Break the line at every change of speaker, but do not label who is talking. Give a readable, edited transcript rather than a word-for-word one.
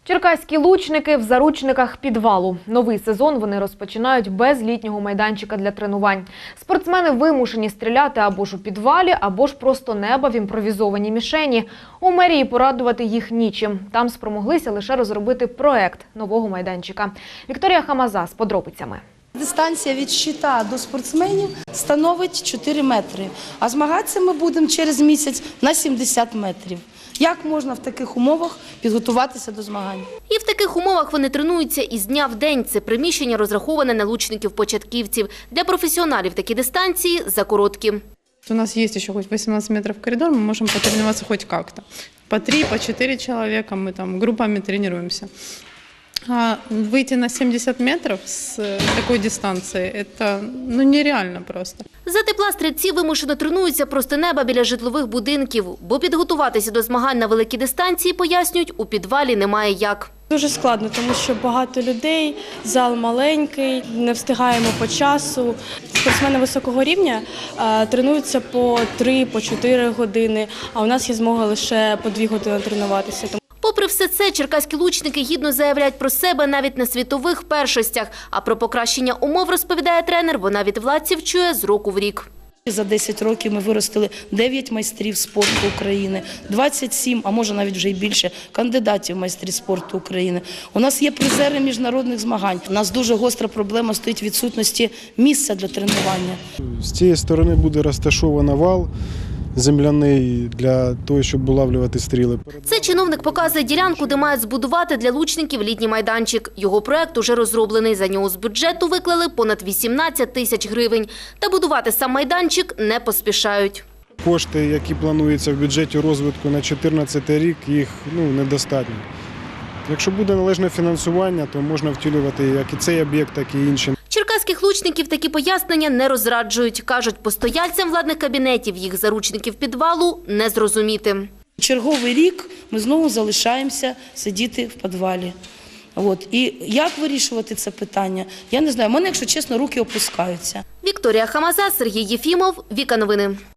Черкаські лучники в заручниках підвалу. Новий сезон вони розпочинають без літнього майданчика для тренувань. Спортсмени вимушені стріляти або ж у підвалі, або ж просто неба в імпровізованій мішені. У мерії порадувати їх нічим. Там спромоглися лише розробити проект нового майданчика. Вікторія Хамаза з подробицями.
Дистанція від щита до спортсменів становить 4 метри, а змагатися ми будемо через місяць на 70 метрів. Як можна в таких умовах підготуватися до змагань?
І в таких умовах вони тренуються із дня в день. Це приміщення розраховане на лучників-початківців. Для професіоналів такі дистанції закороткі.
У нас есть еще хоть 18 метров коридор, мы можем потренироваться хоть как-то. По 3, по 4 человека мы там группами тренируемся. А выйти на 70 метров с такой дистанции – это нереально просто.
За тепла стрільці вимушено тренуються просто неба біля житлових будинків. Бо підготуватися до змагань на великій дистанції, пояснюють, у підвалі немає як.
Дуже складно, тому що багато людей, зал маленький, не встигаємо по часу. Спортсмени високого рівня тренуються по 3-4 години, а у нас є змога лише по 2 години тренуватися.
Попри все це, черкаські лучники гідно заявляють про себе навіть на світових першостях. А про покращення умов, розповідає тренер, вона від владців чує з року в рік.
За 10 років ми виростили 9 майстрів спорту України, 27, а може навіть вже й більше, кандидатів в майстрі спорту України. У нас є призери міжнародних змагань. У нас дуже гостра проблема стоїть відсутності місця для тренування.
З цієї сторони буде розташовано вал земляний для того, щоб улавлювати стріли.
Це чиновник показує ділянку, де мають збудувати для лучників літній майданчик. Його проект уже розроблений. За нього з бюджету виклали понад 18 тисяч гривень. Та будувати сам майданчик не поспішають.
Кошти, які плануються в бюджеті розвитку на 2014 рік, їх недостатньо. Якщо буде належне фінансування, то можна втілювати як і цей об'єкт, так і інші.
Черкаських лучників такі пояснення не розраджують. Кажуть, постояльцям владних кабінетів їх заручників підвалу не зрозуміти.
Черговий рік ми знову залишаємося сидіти в підвалі. І як вирішувати це питання, я не знаю. У мене, якщо чесно, руки опускаються.
Вікторія Хамаза, Сергій Єфімов, Віка Новини.